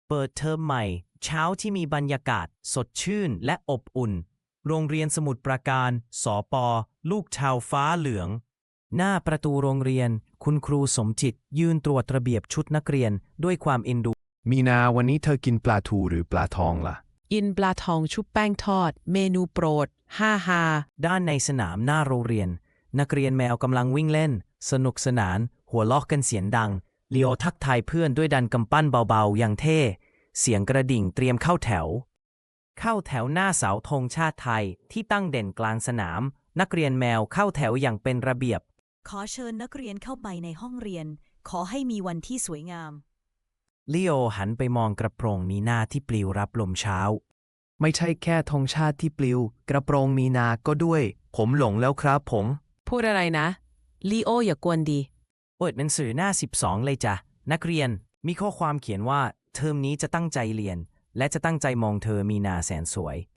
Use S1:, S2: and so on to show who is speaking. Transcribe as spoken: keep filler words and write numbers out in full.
S1: เปิดเทอมใหม่เช้าที่มีบรรยากาศสดชื่นและอบอุ่นโรงเรียนสมุทรปราการสปลูกชาวฟ้าเหลืองหน้าประตูโรงเรียนคุณครูสมจิตยืนตรวจระเบียบชุดนักเรียนด้วยความเอ็นดู
S2: มีนาวันนี้เธอกินปลาทูหรือปลาทองล่ะ
S3: กินปลาทองชุบแป้งทอดเมนูโปรดฮ่าฮ่า
S1: ด้านในสนามหน้าโรงเรียนนักเรียนแมวกำลังวิ่งเล่นสนุกสนานหัวเราะกันเสียงดังเลียวทักทายเพื่อนด้วยดันกำปั้นเบาๆอย่างเท่เสียงกระดิ่งเตรียมเข้าแถวเข้าแถวหน้าเสาธงชาติไทยที่ตั้งเด่นกลางสนามนักเรียนแมวเข้าแถวอย่างเป็นระเบียบ
S4: ขอเชิญนักเรียนเข้าไปในห้องเรียนขอให้มีวันที่สวยงาม
S1: ลีโอหันไปมองกระโปรงมีนาที่ปลิวรับลมเช้า
S2: ไม่ใช่แค่ธงชาติที่ปลิวกระโปรงมีนาก็ด้วยผมหลงแล้วครับผม
S3: พูดอะไรนะลีโออย่ากวนดี
S1: เปิดหนังสือหน้าสิบสองเลยจ้ะนักเรียนมีข้อความเขียนว่าเทอมนี้จะตั้งใจเรียนและจะตั้งใจมองเธอมีนาแสนสวย